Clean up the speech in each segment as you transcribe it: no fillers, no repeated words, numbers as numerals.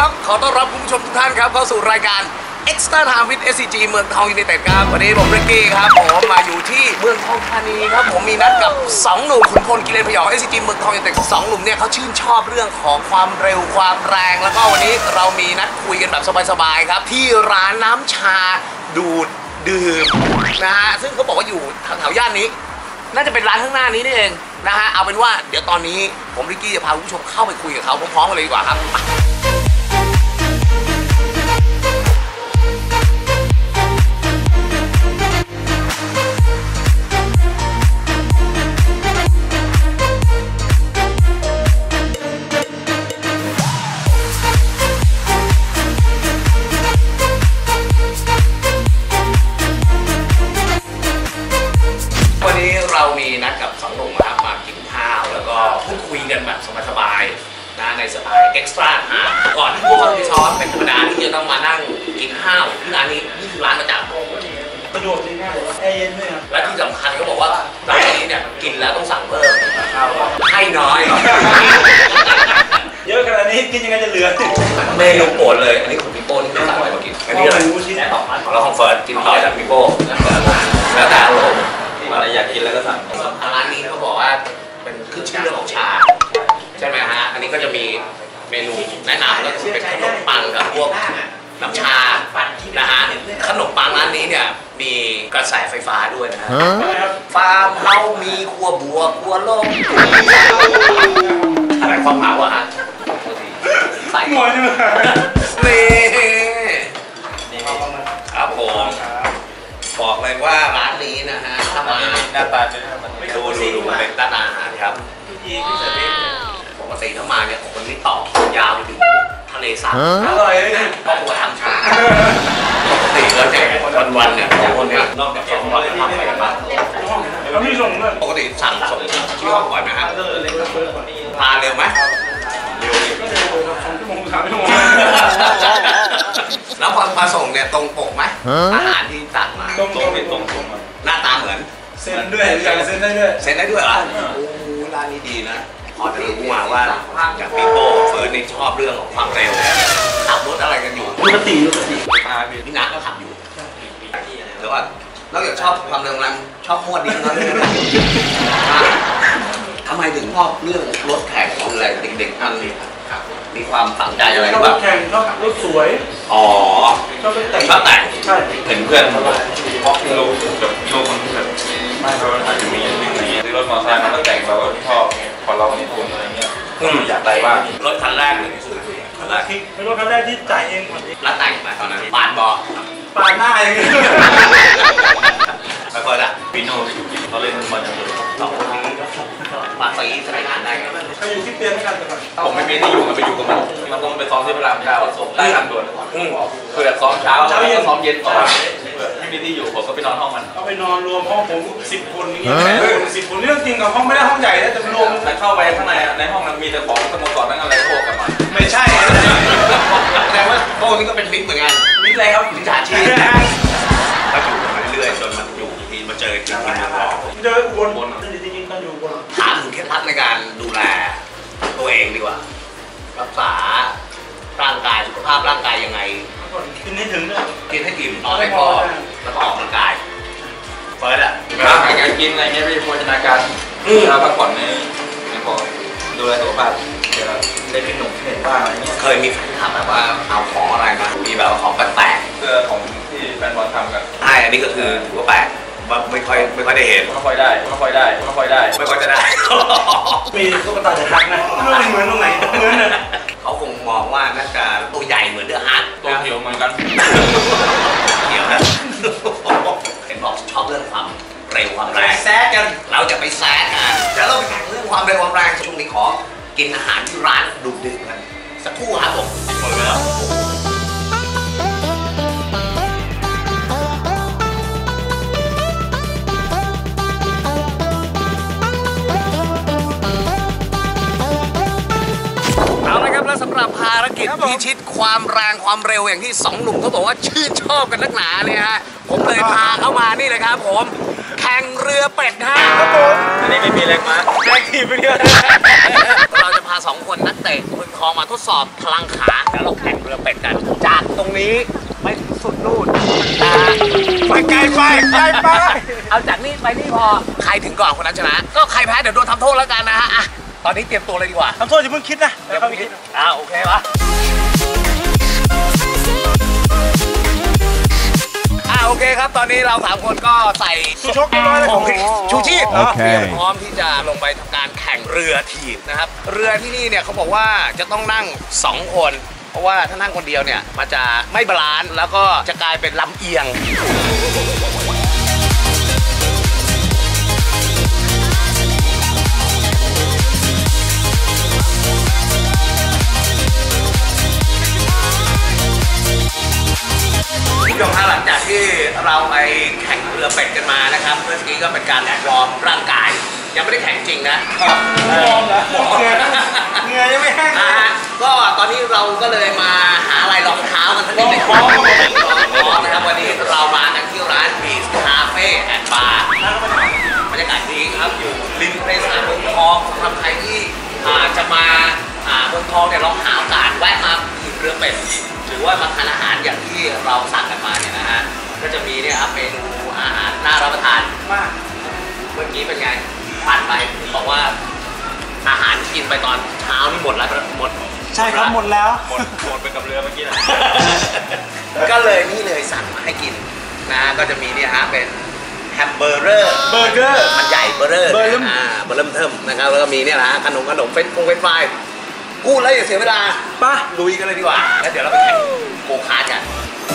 ครับขอต้อนรับคุณผู้ชมทุกท่านครับเข้าสู่รายการ Extra Time with SCG เมืองทองยูไนเต็ดครับวันนี้ผมริกกี้ครับผมมาอยู่ที่เมืองทองธานีครับผมมีนัดกับ2หนุ่มขุนพลกิเลนพยอง SCG เมืองทองยูไนเต็ด2หนุ่มเนี่ยเขาชื่นชอบเรื่องของความเร็วความแรงแล้วก็วันนี้เรามีนัดคุยกันแบบสบายๆครับที่ร้านน้ำชาดูดดื่มนะฮะซึ่งเขาบอกว่าอยู่แถวๆย่านนี้น่าจะเป็นร้านข้างหน้านี้นี่เองนะฮะเอาเป็นว่าเดี๋ยวตอนนี้ผมริกกี้จะพาคุณผู้ชมเข้าไปคุยกับเขาพร้อมๆกันเลยดีกว่าครับเรามีนัดกับ2หนุ่มครับมากินข้าวแล้วก็พูดคุยกันแบบสบายๆนะในสไตล์เอ็กซ์ตร้าก่อนที่พวกเขาจะซ้อมเป็นธรรมดาที่จะต้องมานั่งกินข้าวที่ร้านนี้นี่คือร้านประจำประโยชน์ง่ายๆแอร์เย็นด้วยครับและที่สำคัญเขาบอกว่าร้านนี้เนี่ยกินแล้วต้องสั่งเพิ่มให้น้อยเยอะขนาดนี้กินยังไงจะเหลือเมนูโปรดเลยอันนี้ของพี่โป้นี่ไม่สั่งอะไรมากินอันนี้อะไรของเราของเฟิร์สกินต่อจากพี่โป้แล้วแต่อารมณ์อะไรอยากกินแล้วก็สั่งร้านนี้เขาบอกว่าเป็นขึ้นชื่อเรื่องของชาใช่ไหมฮะอันนี้ก็จะมีเมนูแนะนำก็คือเป็นขนมปังกับพวกน้ำชานะฮะขนมปังร้านนี้เนี่ยมีกระแสไฟฟ้าด้วยนะฮะฟาร์มเฮามีครัวบัวครัวโลกอะไรความหมายวะฮะใส่หมดเลยนี่ครับผมบอกเลยว่าร้านนี้นะฮะถ้ามาหน้าตาดูเป็นร้านอาหารครับปกติถ้ามาเนี่ยคนที่ต่อยาวไปถึงทะเลสาบอร่อยเลยครอบครัวทำชาปกติแล้วเนี่ยวันๆเนี่ยคนนี้นอกจาก2 วันทำอะไรกันบ้างแล้วมีส่งด้วยปกติสั่งส่งที่ห้องบ่อยไหมครับทานเร็วไหมเร็ว 2 ชั่วโมง 3 ชั่วโมงแล้วพอมาส่งเนี่ยตรงปกไหมอาหารที่สั่งมาตรงหน้าตาเหมือนเซ็นด้วยเซ็นได้ด้วยเหรอโอ้ร้านนี้ดีนะพอจะรู้มาว่าจากปีโป้เฟิร์สนี่ชอบเรื่องของความเร็วขับรถอะไรกันอยู่ปกติพี่นัทก็ขับอยู่เดี๋ยวก่อนนอกจากชอบความเร็วนั้นชอบมวดดิ้งแล้วทำไมถึงชอบเรื่องรถแข่งของอะไรเด็กๆนั่นนี่มีความฝังใจอะไรชอบรถแข่งชอบรถสวยอ๋อชอบแต่งใช่เห็นเพื่อนเพราะเราแบบโลกคนที่แบบไม่เราอาจจะมีอย่างนึงอะไรเงี้ยรถมอเตอร์ไซค์มันก็แต่งเราก็ชอบพอเรามีทุนอะไรเงี้ยอยากได้บ้างรถคันแรกเลยคันแรกเป็นรถคันแรกที่จ่ายเองแล้วแต่งมาตอนนั้นปานบอปานหน้าเองไปเปิดอ่ะปีโน่เขาเล่นบอลอย่างเดียว 2 คนนี้ปาตีใช้งานได้กันเขาอยู่ที่เตียงกันแต่ผมไม่มีที่อยู่มันไปอยู่กับมันต้องไปซ้อมที่พระราม 9ส่งได้ทางด่วนคือแบบซ้อมเช้าเย็นซ้อมเย็นไม่มีที่อยู่ผมก็ไปนอนห้องมันเอาไปนอนรวมห้องผม10 คนนี้10 คนเรื่องจริงกับห้องไม่ได้ห้องใหญ่นะแต่รวมแต่เข้าไปข้างในในห้องมันมีแต่ของสโมสรนั่งอะไรพวกกันมาไม่ใช่แต่ว่าโต้นี่ก็เป็นมิตรเหมือนกันมิตรอะไรครับมิจฉาชีพก็อยู่กันมาเรื่อยๆจนมันอยู่ทีมาเจอจริงๆเจอวนจริงๆต้องอยู่วนถามถึงเคล็ดลับในการดูแลตัวเองดีกว่ารักษาร่างกายสุขภาพร่างกายยังไงกินให้ถึงด้วยกินให้อิ่มนอนให้พอแล้วก็ออกกำลังกายเฟิร์สอ่ะการกินอะไรเงี้ยไม่โภชนาการเราพักผ่อนไม่พอดูแลสุขภาพเดี๋ยวได้เป็นหนุ่มเห็นบ้างอะไรเงี้ยเคยมีแฟนถามแบบว่าเอาของอะไรมามีแบบของแปลกเสื้อของที่แฟนบอลทำกันใช่อันนี้ก็คือถือว่าแปลกว่าไม่ค่อยได้เห็นไม่ค่อยได้ไม่ค่อยจะได้มีตุ๊กตาจะทักนะไม่เหมือนตรงไหนเหมือนเลยเขาคงมองว่าน่าจะตัวใหญ่เหมือนเดอะฮัทตัวเหี่ยวเหมือนกันเหี่ยวนะเห็นบอกชอบเรื่องความเร็วความแรงแซกกันเราจะไปแซกกันเดี๋ยวเราไปแข่งเรื่องความเร็วความแรงช่วงนี้ขอกินอาหารที่ร้านดูดึกกันสักครู่ครับผมหมดแล้วและสำหรับภารกิจพิชิตความแรงความเร็วอย่างที่2 หนุ่มเขาบอกว่าชื่นชอบกันนักหนาเนี่ยฮะผมเลยพาเข้ามานี่เลยครับผมแข่งเรือเป็ดฮะครับผมอันนี้ไม่มีแรงม้าแรงขี่ไปเรื่อยเราจะพาา2คนนักเตะเมืองทองมาทดสอบพลังขาแล้วเราแข่งเรือเป็ดกันจากตรงนี้ไปสุดนู่นไปไกลไปเอาจากนี่ไปนี่พอใครถึงก่อนคนนั้นชนะก็ใครแพ้เดี๋ยวโดนทำโทษแล้วกันนะฮะอ่ะตอนนี้เตรียมตัวเลยดีกว่าทำโทษอย่าเพิ่งคิดนะเดี๋ยวคิดโอเคปะโอเคครับตอนนี้เรา3คนก็ใส่ชูชกเรียบร้อยแล้วชูชีพพร้อมที่จะลงไปทำการแข่งเรือทีมนะครับเรือที่นี่เนี่ยเขาบอกว่าจะต้องนั่ง2คนเพราะว่าถ้านั่งคนเดียวเนี่ยมันจะไม่บาลานซ์แล้วก็จะกลายเป็นลำเอียงผู้ชมหลังจากที่เราไปแข่งเรือเป็ดกันมานะครับเมื่อกี้ก็เป็นการวอร์มร่างกายยังไม่ได้แข่งจริงนะวอร์มแล้วเหงื่อยังไม่แห้งก็ตอนนี้เราก็เลยมาหาอะไรรองเท้ากันสักนิดนึงนะครับวันนี้เรามากันที่ร้านบีชคาเฟ่แอนด์บาร์บรรยากาศดีครับอยู่ริมทะเลสาบเมืองทองสำหรับใครที่จะมาเมืองทองเนี่ยลองหาโอกาสแวะมาขี่เรือเป็ดหรือว่ามาทานอาหารอย่างที่เราสั่งกันมาเนี่ยนะฮะก็จะมีเนี่ยครับเมนูอาหารน่ารับประทานมากเมื่อกี้เป็นไงผ่านไปบอกว่าอาหารกินไปตอนเช้านี่หมดแล้วหมดใช่ครับหมดแล้วหมดไปกับเรือเมื่อกี้นะก็เลยนี่เลยสั่งมาให้กินนะก็จะมีเนี่ยฮะเป็นแฮมเบอร์เกอร์มันใหญ่เบอร์เริ่มเทิมนะครับแล้วก็มีเนี่ยนะขนมเฟรนช์ฟรายกูดแล้วอย่าเสียเวลาป่ะลุยกันเลยดีกว่าแล้วเดี๋ยวเราไปแข่งโกคาร์ทกัน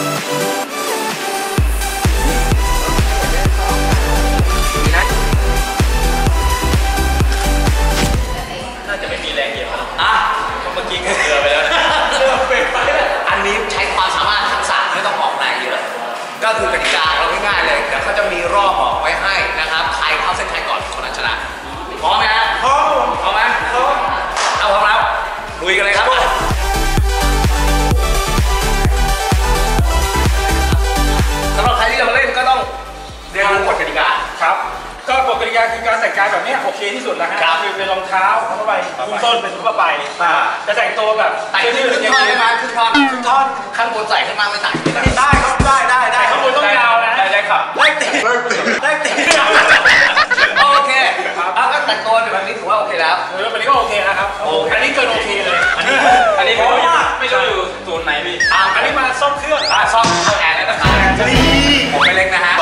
น่าจะไม่มีแรงเหยียบเมื่อกี้ก็เรือไปแล้วนะอันนี้ใช้ความสามารถทักษะไม่ต้องออกแรงเยอะก็คือกติกาเราง่ายๆเลยเดี๋ยวเขาจะมีรอบบอกไว้ให้นะครับใครเข้าเส้นชัยก่อนคนนั้นชนะพร้อมไหมฮะพร้อมไหมพร้อมแล้วลุยกันเลยครับสำหรับใครที่จะมาเล่นก็ต้องเรียนรู้กฎกติกาครับก็กฎกติกาคือการแต่งกายแบบนี้โอเคที่สุดแล้วครับคือเป็นรองเท้าเข้าไปคุ้มต้นเป็นทั่วไปจะแต่งตัวแบบแต่งขึ้นท่อนได้ไหมขึ้นท่อนข้างบนใส่ข้างล่างไม่ใส่ได้ครับได้ข้างบนต้องยาวนะได้ครับได้ตีโอเคก็แต่งตัวแบบนี้ถือว่าโอเคแล้วแบบนี้ก็โอเคนะครับอันนี้เกินโอเคเลยอันนี้เพราะว่าไม่รู้อยู่ศูนย์ไหนพี่อันนี้มาซ่อมเครื่องซ่อมแอร์แล้วนะครับผมไม่เล็กนะฮะ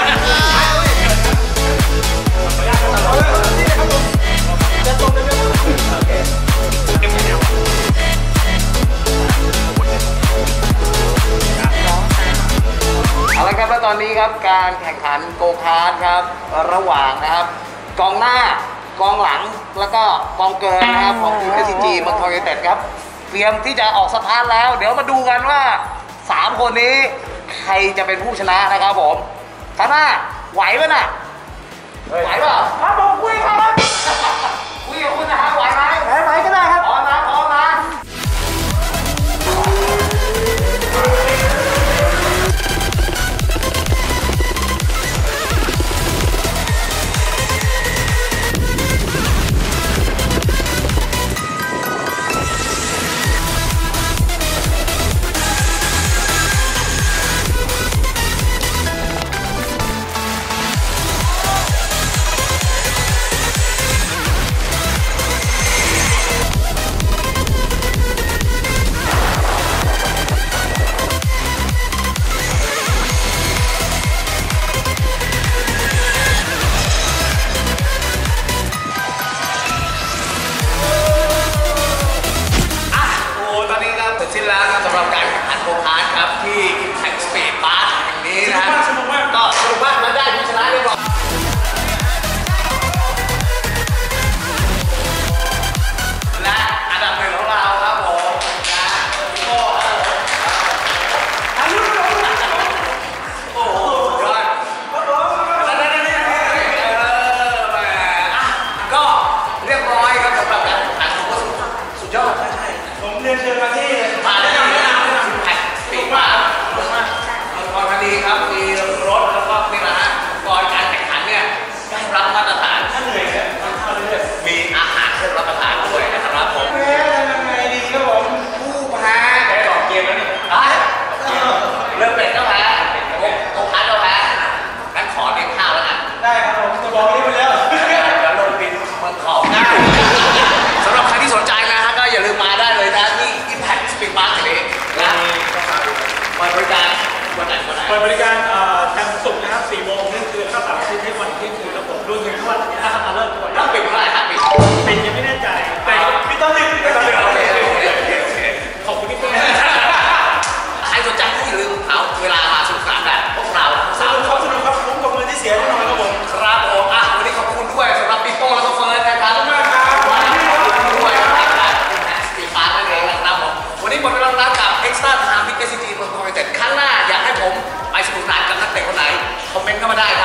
เอาละครับแล้วตอนนี้ครับการแข่งขันโกคาร์ทครับระหว่างนะครับกองหน้ากองหลังแล้วก็กองเกินนะครับของทีม SCG เมืองทองยูไนเต็ดครับเตรียมที่จะออกสตาร์ทแล้วเดี๋ยวมาดูกันว่า3คนนี้ใครจะเป็นผู้ชนะนะครับผมข้างหน้าไหวไหมน่ะไหวเปล่าครับผมคุยครับคุยกับคุณนะฮะไหวไหมก็ได้ครับพร้อมนะวันไหนเปิดบริการจันทร์ศุกร์นะครับ4 โมงเที่ยงคืนแล้วก็เสาร์อาทิตย์ให้วันเที่ยงคืนครับผมรวมถึงทุกวันถ้าทำมาเลิกด้วยถ้าปิดเมื่อไหร่ถ้าปิดเป็นยังไม่แน่ใจแต่พี่ต้นนึงขอบคุณพี่ต้นใครสนใจก็อย่าลืมเอาเวลามาสนุกสนานแบบพวกเราสามสนุกครับคุ้มกับเงินที่เสียแน่นอนครับผมครับผมวันนี้ขอบคุณด้วยสำหรับปีโป้แล้วก็เฟิร์สนะครับขอบคุณมากครับด้วยนะครับสตีฟานนั่นเองนะครับผมวันนี้หมดเวลาแล้วกับ Extra Time ที่ SCG เมืองทองยูไนเต็ดครั้งหน้าอยากให้ผมไปสนุกสนานกับนักเตะคนไหนคอมเมนต์เข้ามาได้